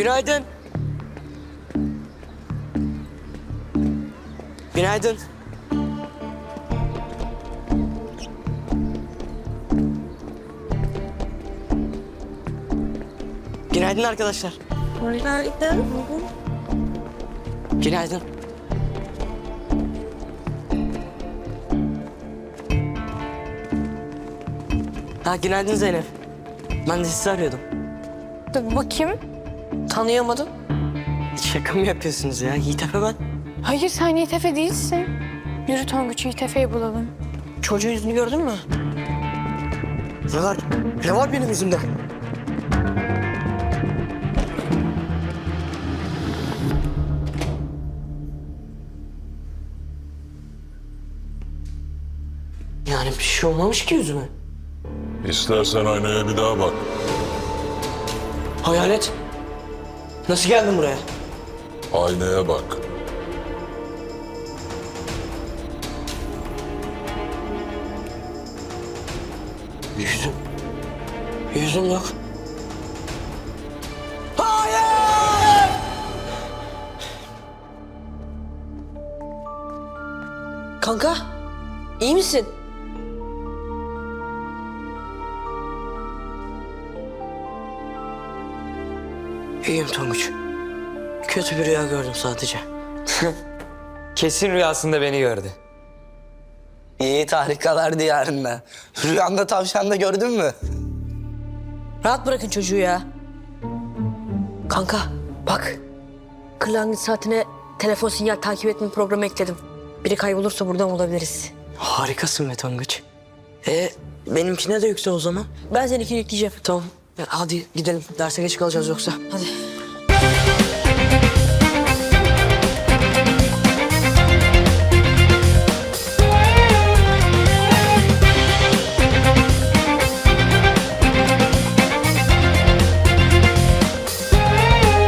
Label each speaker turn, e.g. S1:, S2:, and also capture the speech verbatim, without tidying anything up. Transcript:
S1: Günaydın. Günaydın. Günaydın arkadaşlar.
S2: Günaydın.
S1: Günaydın. Ha, günaydın Zeynep. Ben de sizi arıyordum.
S2: Dur bakayım. Tanıyamadım.
S1: Şaka mı yapıyorsunuz ya? Yiğit Efe ben.
S2: Hayır sen Yiğit Efe değilsin. Yürü Tonguç, Yiğit Efe'yi bulalım.
S1: Çocuğun yüzünü gördün mü? Ne var? Ne var benim yüzümde? Yani bir şey olmamış ki yüzüme.
S3: İstersen aynaya bir daha bak.
S1: Hayalet. Nasıl geldin buraya?
S3: Aynaya bak.
S1: Yüzüm. Yüzüm yok. Hayır!
S4: Kanka, iyi misin?
S1: İyiyim Tonguç. Kötü bir rüya gördüm sadece.
S5: Kesin rüyasında beni gördü.
S6: Yiğit harikalar diyarında. Rüyanda tavşan da gördün mü?
S4: Rahat bırakın çocuğu ya. Kanka, bak. Kırlangıç saatine telefon sinyal takip etme programı ekledim. Biri kaybolursa buradan bulabiliriz.
S1: Harikasın be Tonguç. E benimkine de yüksel o zaman.
S4: Ben seninkini yükleyeceğim.
S1: Tamam. Ya hadi gidelim. Derse geç kalacağız yoksa.
S4: Hadi.